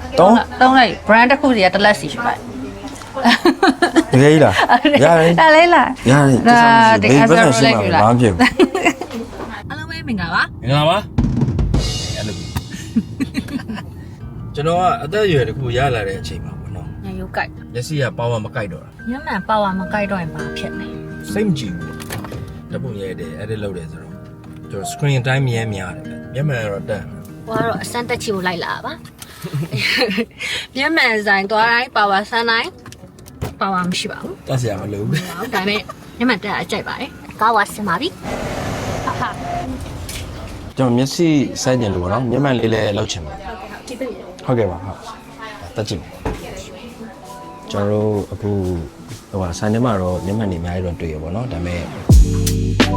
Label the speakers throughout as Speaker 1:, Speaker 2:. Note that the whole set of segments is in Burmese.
Speaker 1: သုံးလိုက် brand တစ်ခုစီကတစ်လက်စီရှိပါတယ်
Speaker 2: တကယ်ကြီးလားရတယ်
Speaker 1: ဒါလေးလား
Speaker 2: ရတယ်ဒါဘေးဘက်ဆင်ရှိမှာဘာမှဖြစ်ဘူး
Speaker 1: အားလုံးပဲမင်္ဂလာပါ
Speaker 2: မင်္ဂလာပါအဲ့လိုကျွန်တော်ကအသက်အရွယ်တစ်ခုရလာတဲ့အချိန်မှာပေါ့နော်
Speaker 1: ညရုပ်ကြိုက်
Speaker 2: လက်စီကပေါင်းမကိုက်တော့တာ
Speaker 1: ညမှန်ပါဝါမကြိုက်တော့ရင်ဘာဖြစ်လဲ
Speaker 2: စိတ်မကြည့်ဘူးဓာတ်ပုံရိုက်တယ် edit လုပ်တယ်ဆိုတော့ကျွန်တော် screen time မြဲများတယ်မျက်မှန်ကတော့တက်
Speaker 1: ဟိုကတော့အစမ်းတက်ချီကိုလိုက်လာပါညမှန်ဆိုင်သွားတိုင်းပါဝါဆန်းတိုင်းပါဝါမရှိပါဘူး
Speaker 2: တက်စရာမလိုဘူး
Speaker 1: ဒါပေမဲ့ညမှန်တက်အကြိုက်ပါတယ်ကားဝါဆင်ပါပြီဟာဟာ
Speaker 2: ကျွန်တော်မျက်စိစိုက်ကျင်လို့ပေါ့နော်မျက်မှန်လေးလည်းလောက်ချင်ပါ
Speaker 1: ဒီပြည့်
Speaker 2: ဟုတ်ကဲ့ပါဟုတ်တက်ကြည့်ကျွန်တော်တို့အခုဟိုဟာဆိုင်ထဲမှာတော့မျက်မှန်တွေအများကြီးတော့တွေ့ရပါတော့ဒါပေမဲ့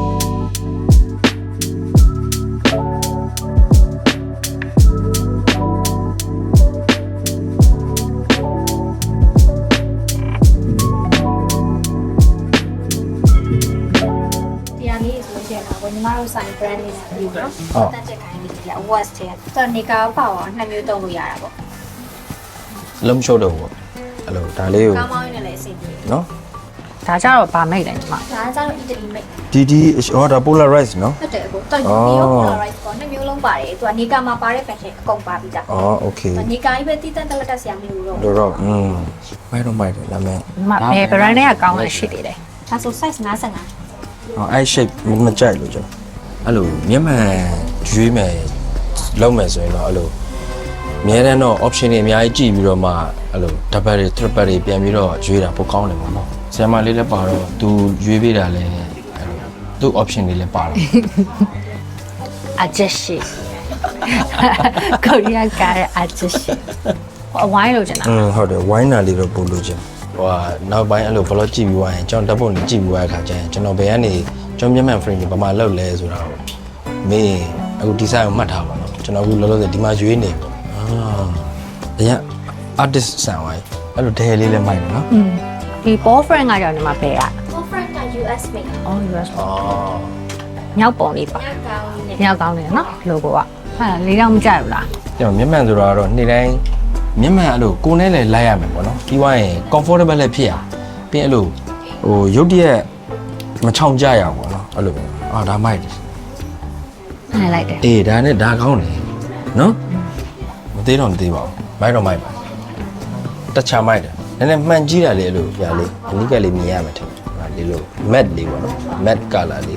Speaker 3: တရားလေးဆိုလို့ရှိရင်တော့ညီမတို့ဆိုင် brand လေးနဲ့ပြီးတော့တက်ချက်ခိုင်းလေးဒီက watch တဲ့တော့နေကာပေါ့နှစ်မျိုးသုံးလို့ရတာပေါ့
Speaker 2: လုံးရှုပ်တော့ပေါ့အဲ့လိုဒါလေးကို
Speaker 3: ကောင်းမောင်းရင်းနဲ့လည်းအဆင်ပြေ
Speaker 2: နော်
Speaker 1: ဒါကြတော့ဗာမိတ်တယ်ညီမ
Speaker 3: ဒါကကျတော့ Italy made
Speaker 2: DD ဟောဒါ polarize နော်
Speaker 3: ဟုတ်တယ်အခုတော့ဒီရော polarize ပေါ့နှစ်မျိုးလုံးပါတယ်သူကနေကာမှာပါတဲ့ fashion အကုန်ပါပြီးသား
Speaker 2: อ๋อโอเค
Speaker 3: နေကာကြီးပဲတည်တတ်တက်ဆရာမလို့တော့
Speaker 2: တော့မိုက်တော့မိုက်တယ်ဒါပေမဲ့
Speaker 1: ညီမဘယ် brand နဲ့ကကောင်းလဲရှိသေးတယ်
Speaker 3: ဒါဆို size 55
Speaker 2: ဟောအဲ့ shape မကြိုက်လို့ကျွန်တော်အဲ့လိုမျက်မှန်ရွေးမယ်လုံးမယ်ဆိုရင်တော့အဲ့လိုအများတန်းတော့ option တွေအများကြီးကြည့်ပြီးတော့မှအဲ့လို double တွေ triple တွေပြန်ပြီးတော့ရွေးတာပိုကောင်းတယ်ပေါ့နော်ဆရာမလေးလည်းပါတော့သူရွေးပေးတာလည်းအဲ့လိုသူ့ option တွေလည်းပါတော့
Speaker 1: အကျရှိကိုရီးယားကားရဲ့အကျရှိအဝိုင်းလို့ကျင်တာ
Speaker 2: ဟုတ်တယ်ဝိုင်းနာလေးတော့ပို့လို့ချင်းဟိုဟာနောက်ပိုင်းအဲ့လို vlog ကြည့်ပြီးွားရင်ကျွန်တော်ဓာတ်ပုံတွေကြည့်ပြီးွားတဲ့အခါကျရင်ကျွန်တော်ဘယ်ကနေကျွန်တော်မျက်မှန် frame တွေဘာမှလောက်လဲဆိုတာကိုမေးအခုဒီဆိုင်ကိုမှတ်ထားပါတော့ကျွန်တော်အခုလောလောဆယ်ဒီမှာရွေးနေပေါ့အရင် artist ဆန်ဝိုင်းအဲ့လိုဒဲလေးလည်းမိုက်တယ်နော်
Speaker 1: ဒီ ball frame ကကြောင့်ညီမဘယ်อ่ะ
Speaker 3: different က US made
Speaker 1: oh US
Speaker 2: အော်
Speaker 1: မြောက်ပုံလေးပါ
Speaker 3: ညကောင်းနေ
Speaker 1: မြောက်ကောင်းတယ်နော် logo ကဟာလေးတော့မကြိုက်ဘူးလား
Speaker 2: ကျွန်တော်မျက်မှန်ဆိုတာကတော့နေ့တိုင်းမျက်မှန်အဲ့လိုကိုယ်နဲ့လည်းလိုက်ရမယ်ပေါ့နော်ပြီးွားရင် comfortable လည်းဖြစ်ရပြီးအဲ့လိုဟိုရုပ်တရက်မချောင်ကြရအောင်ပေါ့နော်အဲ့လိုအာဒါမိုက်တယ်
Speaker 1: နိုင်လိုက်တယ်
Speaker 2: အေးဒါနဲ့ဒါကောင်းတယ်နော်မသေးတော့မသေးပါဘူးမိုက်တော့မိုက်ပါတခြားမိုက်တယ်နည်းနည်းမှန်ကြည့်တာလေအဲ့လိုပြလေးအနိကလေးမြင်ရမှာထင်တယ်ဒီလို matte လေးပေါ့နော် matte color လေး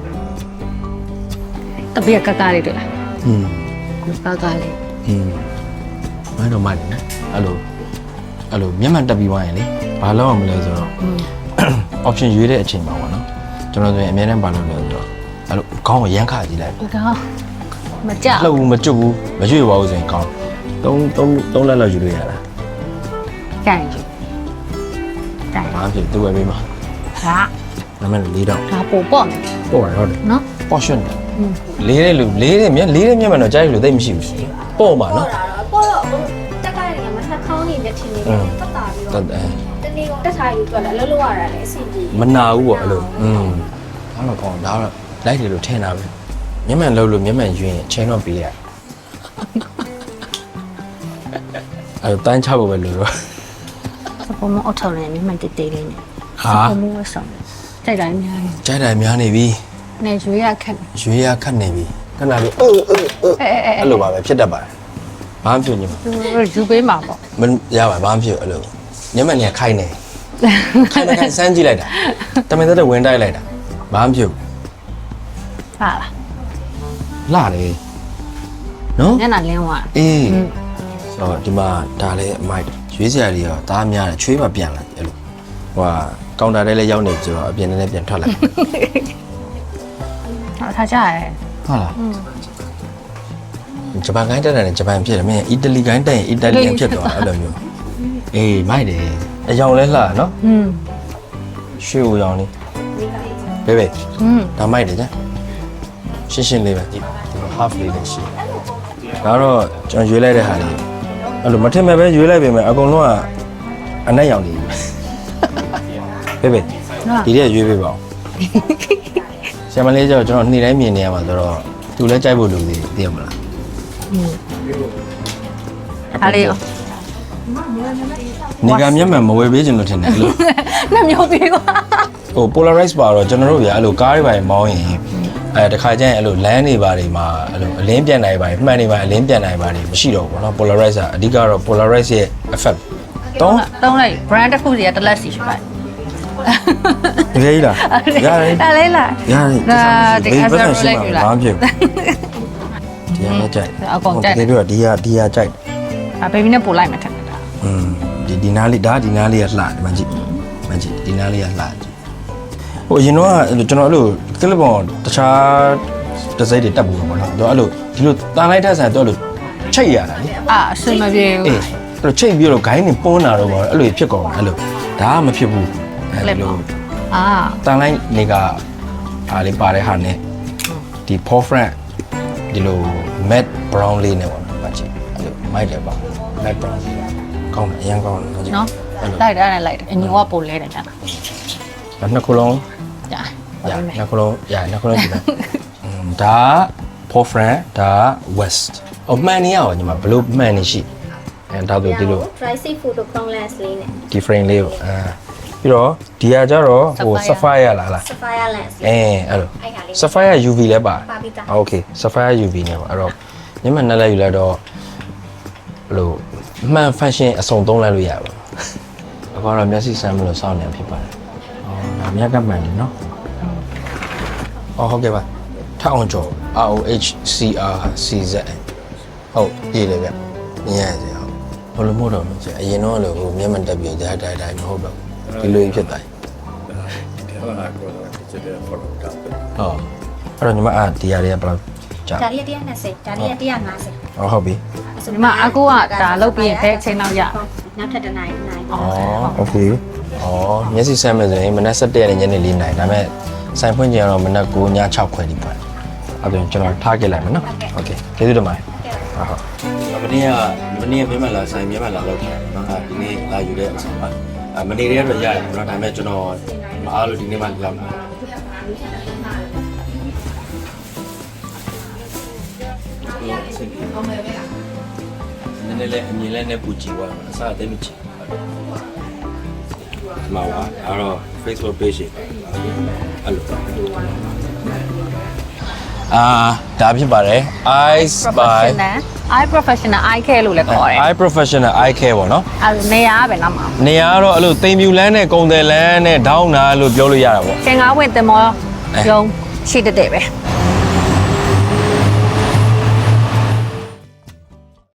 Speaker 1: တပည့်ကကလေးတွေ့လား
Speaker 2: อืม
Speaker 1: ကကလေး
Speaker 2: မိုက်တော့မိုက်တယ်နော်အဲ့လိုမျက်မှန်တက်ပြီးသွားရင်လေဘာလုပ်အောင်မလဲဆိုတော့ option ရွေးတဲ့အချိန်မှာပေါ့နော်ကျွန်တော်ဆိုရင်အများနဲ့ဘာလုပ်လဲဆိုတော့အဲ့လိုခေါင်းကိုရမ်းခါကြည့်လိုက်
Speaker 1: ဒီကောင်မကြ
Speaker 2: လှုပ်ဘူးမကျွတ်ဘူးမရွေ့ပါဘူးဆိုရင်ကောင်း3လက်လောက်ယူလို့ရတာ
Speaker 1: ကြိုက်ကြည့်ကြိုက်
Speaker 2: ဘာဖြစ်သူ့ဝယ်ပေးမှာ
Speaker 1: ဒါ
Speaker 2: နာမည်လေးတော့
Speaker 1: ဒါပို့ပေါ့မယ်
Speaker 2: ပေါ့ရဟုတ်တယ်
Speaker 1: နော်
Speaker 2: portion လေးတဲ့လူလေးတဲ့မျက်မှန်တော့ကြားရလို့သိမရှိဘူးပေါ့ပါနော်
Speaker 3: ပေါ့တော့တက်ကားနေမှာနှာခေါင်းနေနဲ့ထင်နေတယ်တက်တာပြီး
Speaker 2: တ
Speaker 3: တော့
Speaker 2: တ်တယ်
Speaker 3: တနေ့ကတက်ထားယူတော့လည်းလှုပ်ရတာလည်းအဆင်ပြေ
Speaker 2: မနာဘူးပေါ့အဲ့လိုဒါတော့ကောင်းဒါတော့လိုက်တယ်လို့ထင်တာပဲမျက်မှန်လှုပ်လို့မျက်မှန်ယူရင်အချိန်တော့ပေးရအဲ့တန်းချဖို့ပဲလို့တော့
Speaker 1: စပေါ်မအော်ထော်နေမြမတေးတေးလေးနဲ့
Speaker 2: ဟာ
Speaker 1: စပေါ်မဝဆောင်ကြိုက်တိုင်းများ
Speaker 2: ကြိုက်တယ်များနေပြီ
Speaker 1: နေရွေးရခက်
Speaker 2: ရွေးရခတ်နေပြီခဏလေးအဲ့လိုပါပဲဖြစ်တတ်ပါတယ်ဘာမှဖြစ်နေမှာ
Speaker 1: ယူပေးမှာပေါ့
Speaker 2: မရပါဘာမှဖြစ်အဲ့လိုမျက်မှန်ကြီးခိုင်းနေခိုင်းစမ်းကြည့်လိုက်တာတမင်သက်ဝင်တိုက်လိုက်တာဘာမှဖြစ်
Speaker 1: ဟာလား
Speaker 2: လာတယ်နော်
Speaker 1: ညနာလင်းသွား
Speaker 2: အေးဆိုတော့ဒီမှာဒါလည်းအမိုက်ရွေးစရာတွေရောဒါများတယ်ချွေးမှပြန်လာအဲ့လိုဟိုကကောင်တာထဲလည်းရောက်နေဆိုတော့အပြင်ထဲပြန်ထွက်လာ
Speaker 1: ထားကြရဲ
Speaker 2: ဟုတ်လားဂျပန်ကိုင်းတက်တယ်ဂျပန်ဖြစ်တယ်မင်းအီတလီကိုင်းတက်ရင်အီတလီယန်ဖြစ်သွားအဲ့လိုမျိုးအေးမိုက်တယ်အယောင်လဲလှနော်ရွှေဦးရောင်လေးဘေးဘေးဒါမိုက်တယ်ကြာရှင်းလေးပဲဒီ half လေးလည်းရှိဒါတော့ကျွန်တော်ရွေးလိုက်တဲ့ဟာလေးအဲ့လိုမထင်မဲ့ပဲရွေးလိုက်ပေမဲ့အကုန်လုံးကအနက်ရောင်နေပြီဘေးဘေးဒီရက်ရွေးပေးပါဦးဆရာမလေးကျတော့ကျွန်တော်နေ့တိုင်းမြင်နေရမှာဆိုတော့သူလည်းကြိုက်ဖို့လူသေးသိရမလား
Speaker 1: အားလေးရော
Speaker 2: ဟနေကမျက်မှန်မဝယ်ပေးခြင်းလို့ထင်တယ်အဲ့လို
Speaker 1: နှစ်မျိုးသေးကွာ
Speaker 2: ဟို polarize ပါတော့ကျွန်တော်တို့ဗျာအဲ့လိုကားတွေပါမောင်းရင်တခါကျရင်အဲ့လိုလမ်းတွေပါတွေမှာအဲ့လိုအလင်းပြန်နိုင်ပါမှန်နေပါအလင်းပြန်နိုင်ပါမရှိတော့ဘူးเนาะ polarize ကအဓိကတော့ polarize ရဲ့ effect
Speaker 1: တုံးလိုက် brand တစ်ခုစီကတစ်လက်စီရှိပါတယ်
Speaker 2: တကယ်ကြီးလားရတယ်
Speaker 1: ဒါလေးလား
Speaker 2: ရတယ်
Speaker 1: ဒါတကယ်
Speaker 2: ဘယ်
Speaker 1: ဆို
Speaker 2: လိုရှိ
Speaker 1: လိုက်
Speaker 2: မှာ
Speaker 1: ယူ
Speaker 2: လဲ
Speaker 1: လား
Speaker 2: ဘာဖြစ်ဒီကကြိုက်
Speaker 1: အကောင်ကြိုက်
Speaker 2: တကယ်ပြောဒီကကြိုက်
Speaker 1: ဘေဘီနဲ့ပို့လိုက်မှထက်တာ
Speaker 2: ဒီနားလေးဒါဒီနားလေးကလှတယ်မကြည့်ဒီနားလေးကလှဟိုအရင်တော့ကျွန်တော်အဲ့လိုကလစ်ပေါ်တခြားတစိမ့်တွေတက်ဘူးပေါ့နော်သူအဲ့လိုဒီလိုတန်လိုက်တဲ့ဆန်သူအဲ့လိုချိတ်ရတာလေ
Speaker 1: အာအစင်မပြေဘူး
Speaker 2: အေးအဲ့လိုချိတ်ပြီးတော့ဂိုင်းနေပွန်းတာတော့ပေါ့အဲ့လိုဖြစ်ကုန်အဲ့လိုဒါကမဖြစ်ဘူးအဲ့လို
Speaker 1: အာ
Speaker 2: တန်လိုက်နေကအားလေးပါတဲ့ဟာနဲ့ဒီ forefront ဒီလို matte brown လေးနဲ့ပေါ့နော်မကြည့်အဲ့လိုမိုက်တယ်ပါ matte brown လေးကောင်းတယ်အရင်ကောင်းတယ်မကြည့်
Speaker 1: နော်လိုက်တယ်လိုက်တယ်အညီကပို့လဲတယ်ကြာ
Speaker 2: ဒါနှစ်ခုလုံး
Speaker 1: ကြာ
Speaker 2: ရနှစ်ခုလုံးရနှစ်ခုလုံးကြည့်မယ်ဒါ forefront ဒါ west အမှန်နေရအောင်ညီမဘလို့မှန်နေရှိအဲဒါဆိုဒီလို
Speaker 3: dry safe photo chrome lens လေးနဲ့
Speaker 2: ဒီ frame လေးကိုပြီးတော့ဒီဟာကြတော့ဟို sapphire လား
Speaker 3: sapphire lens
Speaker 2: အဲ့လို
Speaker 3: အဲ့ဟာလေး
Speaker 2: sapphire UV လည်းပါ
Speaker 3: ပါပြီးသား
Speaker 2: โอเค sapphire UV နဲ့ပေါ့အဲ့တော့ညမနဲ့လည်းယူလိုက်တော့ဘလို့မှန် function အစုံသုံးလိုက်လို့ရပါဘူးအခုတော့မျက်စိစမ်းမလို့စောင့်နေဖြစ်ပါတယ်ဒါမြက်ကမှန်တယ်နော်ဟုတ်ကဲ့ပါထအောင်ကျော် ROHCRCZ ဟုတ်ရေးတယ်ဗျမြင်ရတယ်ဟုတ်ဘလို့မို့တော့မကြည့်အရင်တော့လို့ဟိုမျက်မှန်တက်ပြီးဒါမဟုတ်တော့ဒီလိုဖြစ်တိုင်းဟုတ်အဲ့တော့ညီမဒီရတွေကဘယ်လောက်ကြာ
Speaker 3: ဒါလေး120ဒါလေး150
Speaker 2: ဟုတ်ပြီ
Speaker 1: ဒီမှာအကူကဒါလုတ်ပြီးရင်ဖဲအချိန်တော့ရ
Speaker 3: နောက်ထပ်တစ်နိုင်နိုင်
Speaker 2: โอเคမျက်စိဆမ်းမယ်ဆိုရင်မနက်7:00ရက်နဲ့ညနေ4:00နာရီဒါပေမဲ့ဆိုင်ဖွင့်ကြတော့မနက်9:00ည6:00ခွဲဒီပါအဲ့ဒါကျွန်တော်ထားခဲ့လိုက်မယ်နော်โอเคကျေးဇူးတင်ပါတယ်ဟုတ်မနေ့ကမျက်မှန်လာဆိုင်မျက်မှန်လာလောက်တယ်နော်ဒီနေ့လာယူတဲ့အချိန်မှာမနေ့တည်းကတော့ရတယ်နော်ဒါပေမဲ့ကျွန်တော်မအားလို့ဒီနေ့မှလောက်လာနည်းနည်းလေးအမြင်လေးနဲ့ပူကြည့်ပါမယ်အစားအသိမချင်မှာပါအဲ့တော့ Facebook page အဲ့လိုဒါဖြစ်ပါတယ် Eyes by
Speaker 1: eye professional eye care လို့လည်းခေါ်တယ်
Speaker 2: Eye Professional Eye Care ပေါ့နော်
Speaker 1: အဲနေရာကပဲနောက်မှာ
Speaker 2: နေရာကတော့အဲ့လိုတိမ်ပြူလန်းနဲ့ကုံတယ်လန်းနဲ့ဒေါင်းနာလို့ပြောလို့ရတာပေါ့
Speaker 1: သင်္ကားဝင်တင်မောရုံရှိတဲ့ပဲ